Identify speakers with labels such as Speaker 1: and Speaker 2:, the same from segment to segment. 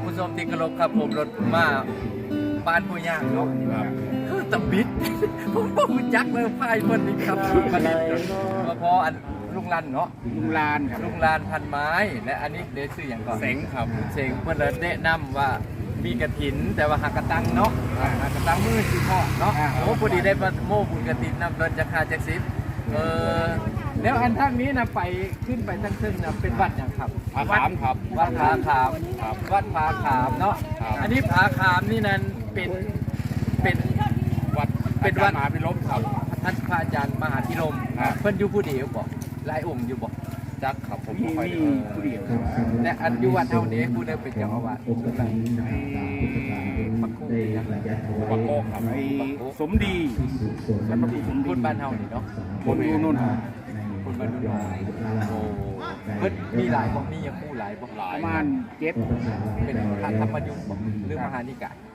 Speaker 1: ผู้ชมที่เคารพครับผมรถมาบ้านผู้ย่างเนาะคือตำบิด ผมบ่รู้จักเลยพายเพิ่นนี่ครับมาเล่นมาพออันลุงลันเนาะ
Speaker 2: ลุงลานครับ
Speaker 1: ลุงลานพันไม้และอันนี้เดชื่ออย่างก่อน
Speaker 2: เสงครับ
Speaker 1: เสงเพิ่นเลยแนะนำว่ามีกระถินแต่ว่าหากระตังเนาะหากระตังมือสิพ่อเนาะโอ้พอดีได้มาโม่บุญกระถินนำเดินจะคาจักสิบแล้วอันทางนี้นะไปขึ้นไปทั้งซึ่งนะเป็นวัดอย่างครับ
Speaker 2: ผาขามครับ
Speaker 1: วัดผาขามวัดผาขามเนาะ
Speaker 2: ครับ
Speaker 1: อันนี้ผาขามนี่นั้นเป็น
Speaker 2: วัด
Speaker 1: เป็นวัด
Speaker 2: มหาพิรมครับ
Speaker 1: ท่านพระอาจารย์มหาธิรม
Speaker 2: ครับ
Speaker 1: เพิ่นอยู่ผู้เดียวบอกหลายองค์อยู่บอก
Speaker 2: จักครับผม
Speaker 1: มี
Speaker 2: บ่ค่อยได้
Speaker 1: ผู้เดียวแต่อันอยู่วัดเท่านี้ผู้ได้เป็นเจ้าอาวาสสุดท้ายปักกุ้งเนี่ย
Speaker 2: ปักโกครับไอ้สมดีแล้วก็สม
Speaker 1: คุ
Speaker 2: ดี
Speaker 1: ณบ้านเฮานี่เนาะ
Speaker 2: คนอยู่นู่นครับ
Speaker 1: คุณบ้านนู่นโอ้เพิ่นมีหลายบ่มีอย่างผู้หลายบ่
Speaker 2: ประมาณ7
Speaker 1: เป็นพระธรรมยุทธ์บ่หรือมหานิกาย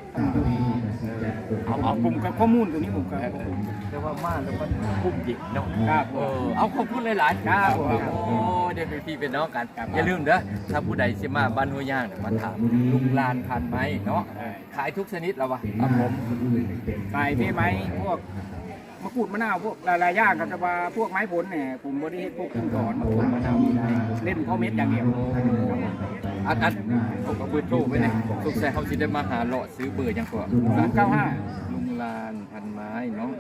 Speaker 2: เอาผมกับข้อมูลตัวนี้ผมกับ
Speaker 1: แต่ว่ามาแล้วมันคุ้มจริงเนาะ
Speaker 2: ครับ
Speaker 1: เอาขอบคุณหลายๆ
Speaker 2: ครับ
Speaker 1: โอ้เดี๋ยวเป็นพี่เป็นน้องกันอย่าลืมเด้อถ้าผู้ใดสิมาบ้านห้วยย่างเนี่ยมาถามลุงลานพันไม้เนาะขายทุกชนิดแล้ววะ
Speaker 2: ครับผมไก่พี่ไม้พวกมะกรูดมะนาวพวกหลายๆอย่างกับแต่ว่าพวกไม้ผลเนี่ยผมบริเฮ็ดพวกเครื่องสอนมะกรูดมะนาวเล่นข้อเม็ดอย่างเดียว
Speaker 1: อันผมก็เบอร์โทรไว้เนี่ยสงสัยเขาสิได้มาหาเลาะซื้อเบอร์ยังก่อน
Speaker 2: 095
Speaker 1: ลุงลานพันไม้เนาะ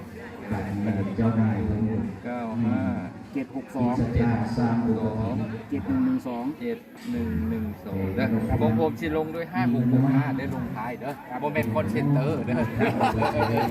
Speaker 1: 95
Speaker 2: 762
Speaker 1: 732
Speaker 2: 7112
Speaker 1: 7112เด้อของผมสิลงด้วย5665ได้ลงท้ายเด้อโมเมนต์คอนเซนเตอร์เด้อ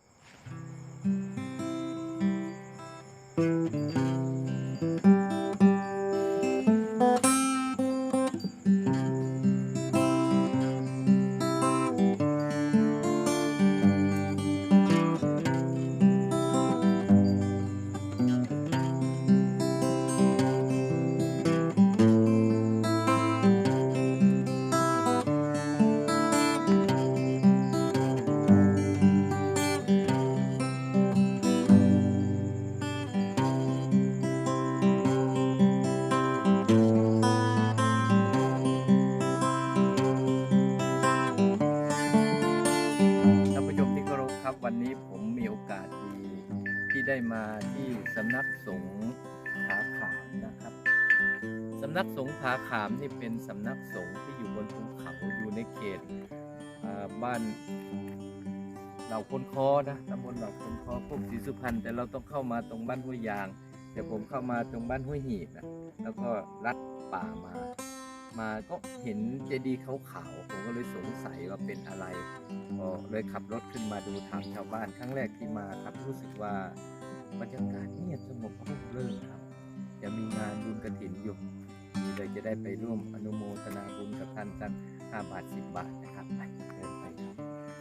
Speaker 1: ท่านผู้ชมที่เคารพครับวันนี้ผมมีโอกาสดีที่ได้มาที่สำนักสงฆ์ผาขามนะครับสำนักสงฆ์ผาขามนี่เป็นสำนักสงฆ์ที่อยู่บนภูเขาอยู่ในเขตบ้านเหล่าคนคอนะตำบลเหล่าคนคอพวกศรีสุพรรณแต่เราต้องเข้ามาตรงบ้านห้วยยางแต่ผมเข้ามาตรงบ้านห้วยหีบนะแล้วก็ลัดป่ามาก็เห็นเจดีย์ขาวๆผมก็เลยสงสัยว่าเป็นอะไรก็เลยขับรถขึ้นมาดูถามชาวบ้านครั้งแรกที่มาครับรู้สึกว่าบรรยากาศเงียบสงบร่มรื่นครับจะมีงานบุญกฐินอยู่เลยจะได้ไปร่วมอนุโมทนาบุญกับท่านสัก5 บาท 10 บาทนะครับไปเดินไปครับ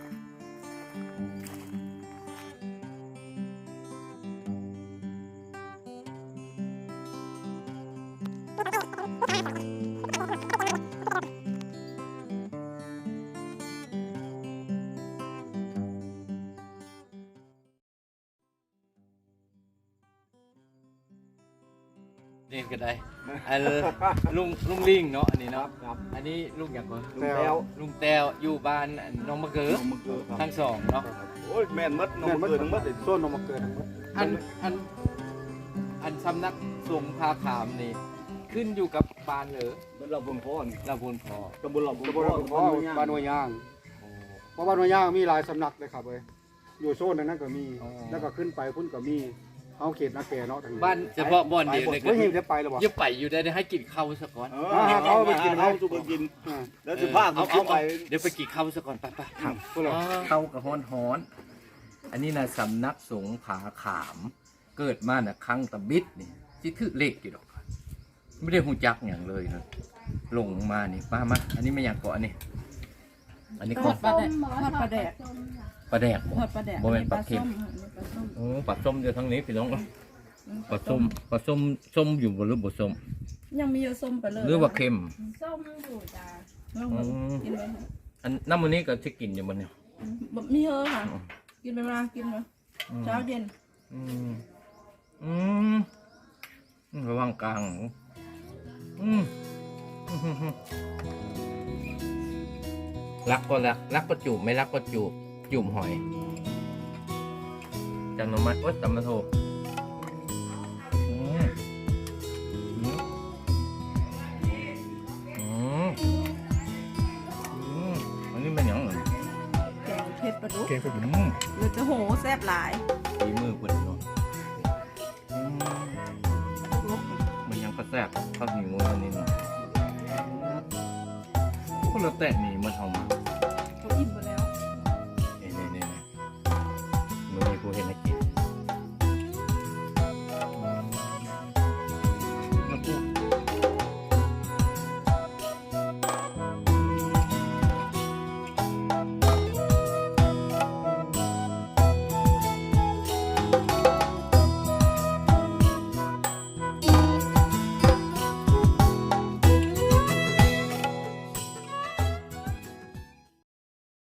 Speaker 1: นี่ก็ได้อันลุงลิงเนาะอันนี้เนาะอันนี้ลุงอย่างก่อนลุงแต้วอยู่บ้านน้องมะเขือทั้งสองเนาะ
Speaker 3: โอ้ยแม่นมัดน้องมาเกิดทั้งมัดเลยส้นน้องมาเกิดทั้งมัด
Speaker 1: อันสำนักสงฆ์ผาขามนี่ขึ้นอยู่กับบ้านเหรอ
Speaker 3: มันเราบนพ่อนี่
Speaker 1: ลำพูนพอ
Speaker 3: ตำบลเราบน
Speaker 4: ตำบ
Speaker 3: พ่
Speaker 4: ล
Speaker 3: อ
Speaker 4: หลวงพ่อบ้านหัวยยางเพราะบ้านหัวยยางมีหลายสำนักเลยครับเลยอยู่โซนนั้นก็มี แล้วก็ขึ้นไปพุ่นก็มีเอาเขตนาแก่เนาะทางนี้
Speaker 1: บ้านเฉพาะบ่อนเดียวเลย
Speaker 4: ไม่เห็นจะไปหรอวะ
Speaker 1: ยังไปอยู่ได้ให้กินข้าวซะก่อน
Speaker 3: เขาไปกินเขาสุกกิน แล้วสิผ้าเขาขึ้นไป
Speaker 1: เดี๋ยวไปกินข้าวซะก่อนไป
Speaker 4: พวกเรา
Speaker 1: เข้ากับฮ้อนอันนี้นะสำนักสงฆ์ผาขาม เกิดมาน่ะครั้งตะบิดนี่ที่ถือเลขอยู่ดอกไม่ได้หูจักอย่างเลยนะลงมานี่มาอันนี้ไม่อยากเกาะนี่อันนี้ของ
Speaker 5: ทอดปลาแดก
Speaker 1: ปลาแดกบ่
Speaker 5: ทอดปลาแดก
Speaker 1: บ่แม่นปลาเค็ม
Speaker 5: ส้ม
Speaker 1: โอ้ปลาส้มอยู่ทางนี้พี่น้องปลาส้มอยู่บนหรือบ่ส้ม
Speaker 5: ยังมีอยู่ส้มไปเลย
Speaker 1: หรือว่าเค็ม
Speaker 5: ส้มอยู่จ้าลองกินไหมคะ
Speaker 1: อันน้ำมันนี้ก็จะกินอยู่บนเนี่ย
Speaker 5: มีเฮอค่ะ กินไปมากินมาเช้าเย็น
Speaker 1: ระวังกลางรักก็รัก รักก็จูบไม่รักก็จูบ จูบหอยจังหน่อไม้โอ๊ยตำมาโทอืมอืมอืมอืมอันนี้เป็นหยังไง
Speaker 5: แกงเผ็ดปลาดุก
Speaker 4: เกมเป็น
Speaker 1: อืม
Speaker 5: หรือจะโหแซ่บหลาย
Speaker 1: ฝีมือเพิ่นเนาะอืม
Speaker 5: ลุก
Speaker 1: มันยังก็แซ่บข้าวเหนียวอันนี้เนาะก็แล้วแต่นี่มันเอามา